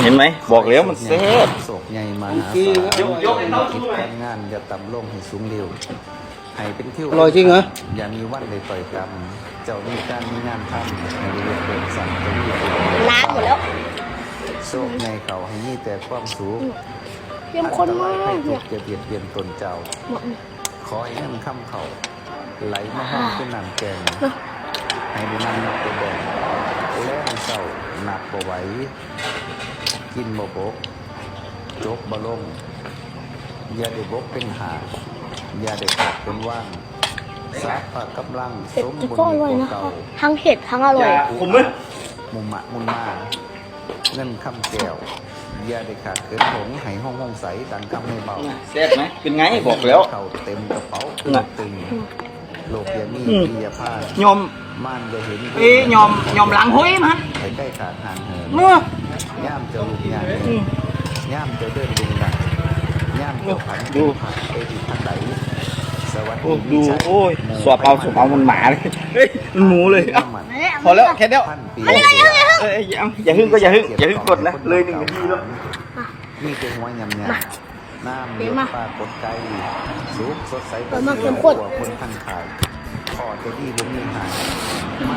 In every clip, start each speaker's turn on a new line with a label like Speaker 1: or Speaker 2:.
Speaker 1: เห็นไหมบอกแล้วมันแซ่บ
Speaker 2: โศกใหญ่มาหาศาลยกคิดการงานอย่าต่ำลงให้สูงเร็วให้เป็นเที่ยวอร่อยจริงเหรออย่ามีวันใดต่อยกันเจ้ามีการมีงานทำให้เรียกเดินสั่งจะมี
Speaker 3: ล้างหมดแล้ว
Speaker 2: โศกใหญ่เขาให้มีแต่ความสูง
Speaker 3: เยี่ยมคนมาก
Speaker 2: ให้
Speaker 3: เนี่ย
Speaker 2: จะเบียดเบียนตนเจ้าขอให้เงินค่ำเขาไหลมาห้องขึ้นน้ำแกงให้ได้นำนักไปแบ่งแล่นเศร้าหนักบ่ไหวกินบ่บกจกบ่ลงอย่าได้บกเป็นหาอย่าได้ขาดเป็นว่างสาพกำลังสมบูรณ์กว่าเก่า
Speaker 3: ทั้งเผ็ดทั้งอร่อย
Speaker 1: ผมมั้ย
Speaker 2: มุมมะมุนมาเงินคำแก้วอย่าได้ขาดเกินหงให้ห้องใสดังคำไม่เบา
Speaker 1: แซ่บไหมเป็นไงบอกแล้ว
Speaker 2: เข่าเต็มกระเป๋าตึงโลกยามีเบียผ้าย
Speaker 1: อม
Speaker 2: ม่านจะเห็น
Speaker 1: ยอมหลังห้อยมัน
Speaker 2: ใครใกล้ขาดห่างเหิน
Speaker 1: เมื่
Speaker 2: อย่ามจะลุกย่ามย่ามจะเดินดึงดังย่ามจะผันดูผันไปที่ทางไหนสวัสดี
Speaker 1: ดูโอ้ยสวบเอามันหมาเลยเฮ้ยมันหมูเลยพอแล้วแค่เดียวอย่าหึ่งก็อย่าหึ่งกดนะเลย1 นาทีแล้ว
Speaker 2: มีเตียงไว้ยำน้ำเลี้ยงปลากดไก่สุกสดใสกว่าคนทันขายขอจะดีบุญมีหายมา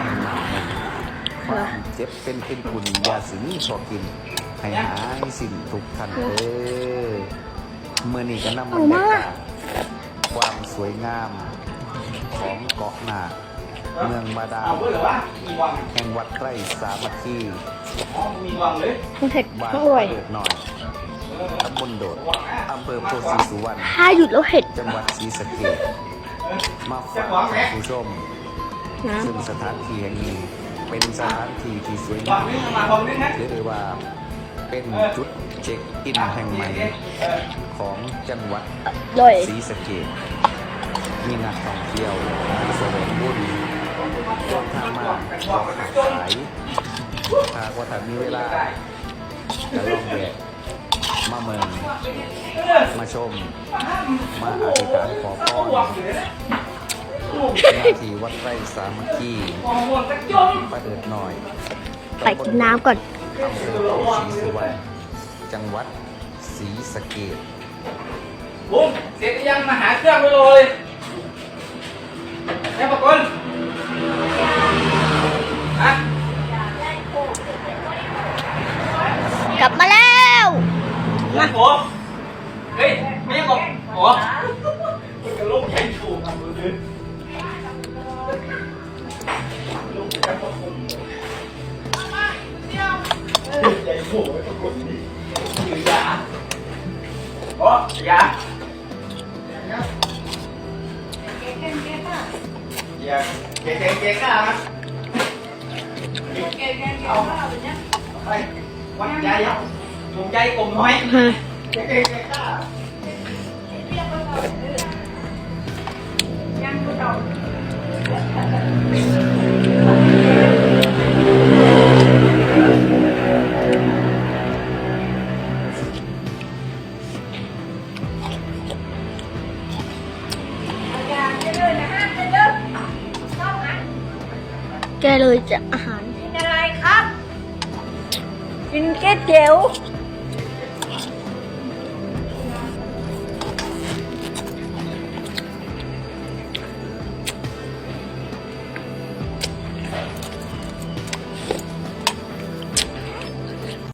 Speaker 2: ความเจ็บเป็นคุณยาสีนี้พอกินให้หายสิ่งทุกทันเมื่อนี้ก็นำบรรยากาศความสวยงามของเกาะนาเมืองบาดาลแห่งวัดไร่สามัคคี
Speaker 3: เผ็ด
Speaker 2: บ้าน
Speaker 3: อร่อย
Speaker 2: หน่อยตำบลโดดอำเภอโพธิสุวรรณ
Speaker 3: ถ้าหยุดแล้วเผ็ด
Speaker 2: จังหวัดศรีสะเกษมาฝากท่านผู้ชมซึ่งสถานที่แห่งนี้เป็นสถานที่ที่สวยงามเรียกได้ว่าเป็นจุดเช็คอินแห่งใหม่ของจังหวัดศรีสะเกษมีนักท่องเที่ยวแสวงบุญทางมาก็ขายหากว่าถ้ามีเวลาจะลองแวะมาเมืองมาชมมาอธิษฐานขอพรหน้าที่วัดไร่สามัคคีประเดิดหน่อย
Speaker 3: ไปกินน้ำก่อน
Speaker 2: อำเภอโพธิสุวรรณจังหวัดศรีสะเกษ
Speaker 1: บุ้มเสร็จยังมาหาเครื่องไปเลยแม่ปะกุล
Speaker 3: กลับมาแล้ว
Speaker 1: มาโอ้เฮ้ยไม่ยังบอกโอ้กระโลกใหญ่ถูกทำเลยใหญ่โผล่ไปปรากฏนี่คือยาโอ้ยาเก่งๆนะเอาไปวัดใจเอาผมใจกลมน้อยเก่งๆนะยังไม่จบ
Speaker 3: แกเลยจะอาหาร
Speaker 4: กินอะไรครับ กินก๋วยเตี๋ยว